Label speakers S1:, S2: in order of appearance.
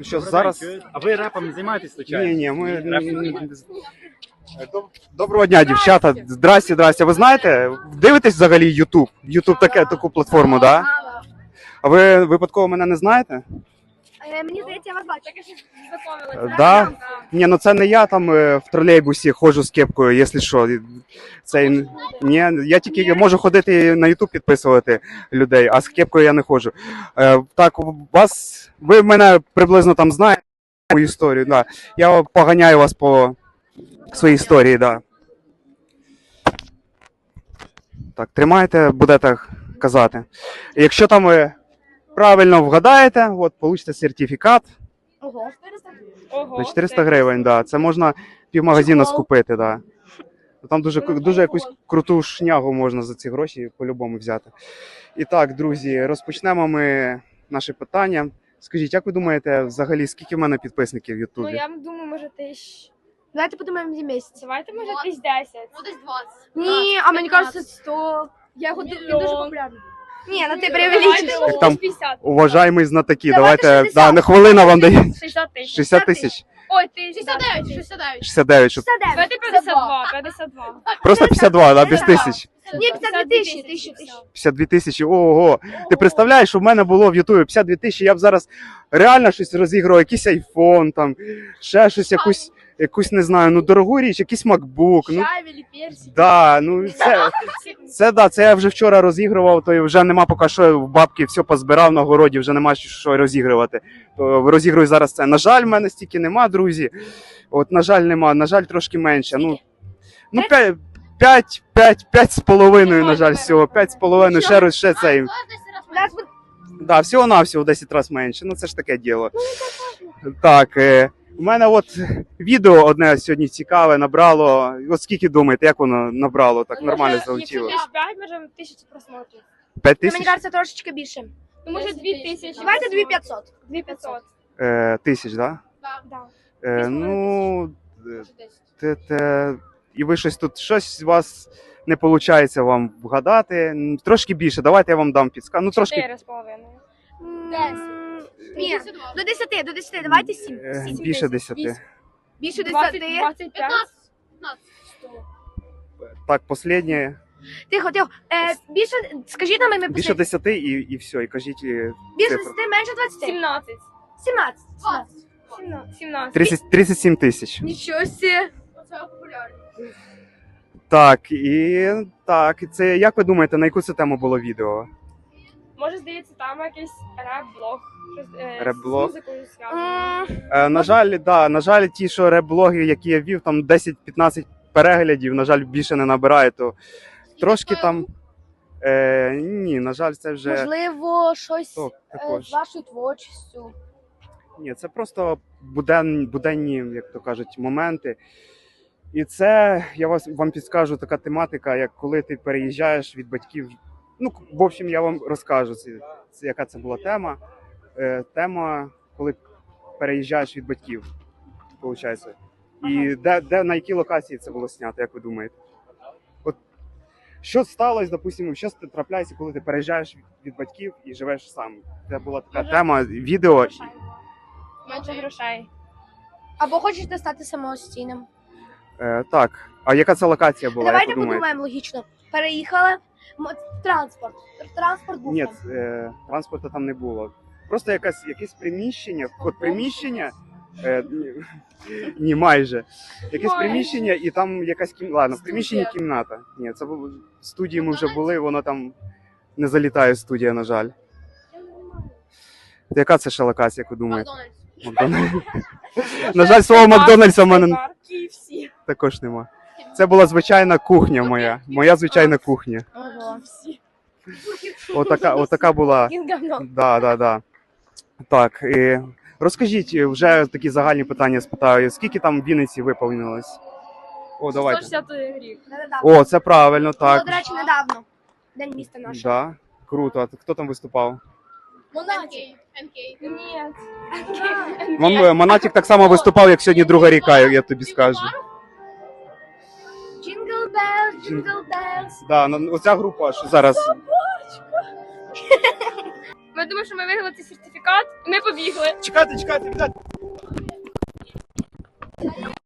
S1: Що зараз?
S2: А ви репом не займаєтесь случайно?
S1: Ні, ми... Доброго дня, дівчата. Здрасте. Ви знаєте, дивитесь взагалі YouTube? YouTube таку платформу, да? А ви випадково мене не знаєте?
S3: Мені здається, я вас бачу. Так що знайомилися.
S1: Да? Ні, ну це не я там в тролейбусі ходжу з кепкою, якщо що. Ні, я тільки можу ходити на YouTube підписувати людей, а з кепкою я не ходжу. Так, ви мене приблизно там знаєте, мою історію, да. Я поганяю вас по своїй історії, да. Так, тримайте, будете казати. Якщо там ви правильно вгадаєте, от, получите сертифікат.
S3: Ого.
S1: На 400 гривень, да. Це можна півмагазина скупити, да. Там дуже якусь круту шнягу можна за ці гроші по-любому взяти. І так, друзі, розпочнемо ми наше питання. Скажіть, як ви думаєте, взагалі, скільки в мене підписників в Ютубі?
S4: Ну, я думаю, може, тисяч.
S3: Давайте подумаємо за місяць.
S4: Давайте, може, десь 10.
S5: Ну, десь 20.
S3: Ні, а мені кажется, 100.
S4: Я
S3: Він
S4: ходив
S3: дуже популярний. Ні, ну ти
S4: Давайте,
S3: преувеличиш.
S4: може,
S1: Там
S4: 50.
S1: Уважаємий знатоки,
S3: Давайте
S1: давайте,
S3: 60.
S1: да, на хвилина вам дає.
S4: 60 тисяч.
S1: 60 тисяч?
S4: Ой, ти
S5: 69, 69.
S1: 69, щоб
S3: 59.
S4: Давайте 52, 52.
S1: просто 52, да, без тисяч.
S3: Ні, 52 тисячі,
S1: 52 тисячі, ого. Ти представляєш, що в мене було в Ютубі 52 тисячі, я б зараз реально щось розігрував, якийсь айфон, там, ще щось, якусь, не знаю, ну дорогу річ, якийсь MacBook, ну,
S4: Шавелі, персик.
S1: да, ну, це я вже вчора розігрував, то вже нема поки що в бабки все позбирав на городі, вже нема що розігрувати. То розігрую зараз це. На жаль, в мене стільки нема, друзі. От, на жаль, нема, на жаль, трошки менше. Ну 5 з половиною, на жаль, всього. 5 з половиною, ще цей. Да, всього-навсього в 10 разів менше. Ну це ж таке діло. Так, у мене от відео одне сьогодні цікаве набрало. От скільки думаєте, як воно набрало, так нормально залетіло?
S4: Якщо 5, може 1000 просмотрів.
S1: 5
S3: Мені
S1: тисяч?
S3: кажется, трошечки більше.
S4: Ну, може 2000.
S3: Давайте 2500.
S4: 2500.
S1: Тисяч, так?
S4: Да.
S1: Ну, і ви щось у вас не виходить вам вгадати. Трошки більше, давайте я вам дам підсказку. Ну, трошки
S4: 4,5.
S3: Ні, до 10, давайте 7.
S1: більше 10.
S3: Більше 10.
S4: 25.
S5: 15.
S1: Так, останнє.
S3: Тихо. Більше, скажіть нам ім'я
S1: Більше
S3: писати.
S1: 10 і все, і кажіть
S3: Більше
S1: цифру.
S3: 10, менше 20.
S4: 17.
S3: 17.
S4: 17.
S1: 37 тисяч.
S3: Нічого себе.
S5: Це популярно.
S1: Так, це як ви думаєте, на яку це тему було відео?
S4: Може, здається, там якийсь реп-блог.
S1: Реп-блог?
S4: З музикою зв'язано.
S1: На жаль, ті, що реп-блоги, які я вів, там 10-15 переглядів, на жаль, більше не набирає, то трошки там. Ні, на жаль, це вже.
S3: Можливо, щось
S1: також.
S3: з вашою творчістю.
S1: Ні, це просто буденні, як то кажуть, моменти. І це, я вам підскажу, така тематика, як коли ти переїжджаєш від батьків. Ну, в общем, я вам розкажу, яка це була тема. Тема, коли переїжджаєш від батьків, виходить. І на якій локації це було знято, як ви думаєте? От, що сталося, допустимо, що трапляється, коли ти переїжджаєш від батьків і живеш сам? Це була така тема, відео.
S4: Менше грошей.
S3: Або хочете стати самостійним.
S1: Так, а яка це локація була,
S3: Давайте
S1: як ви думаєте?
S3: подумаємо логічно. Переїхали. Транспорт. Транспорт був
S1: Ні,
S3: там.
S1: транспорту там не було. Просто якесь приміщення, от приміщення, ні, майже. Якесь приміщення і там якась кімната. Ладно, в приміщенні кімната. Ні, це було в студії ми вже були, воно там не залітає студія, на жаль. Яка це ще локація, як ви думаєте?
S5: Макдональдс.
S1: На жаль, слово Макдональдса в мене
S4: KFC.
S1: також нема. Це була звичайна кухня моя. Моя звичайна кухня. Отака була. Да. Так, і розкажіть, вже такі загальні питання спитаю. Скільки там в Вінниці виповнилось? О, давайте.
S4: 160 рік.
S1: О, це правильно,
S3: Було,
S1: так.
S3: до речі, недавно. День міста нашого.
S1: Да, круто. А хто там виступав?
S5: Монатік. НК.
S4: Ні.
S1: Монатік так само виступав, як сьогодні друга ріка, я тобі скажу.
S3: Jingle bells.
S1: Да, оця група, що зараз.
S4: Ми думаємо, що ми виграли цей сертифікат, і ми побігли.
S1: Чекайте, віддайте.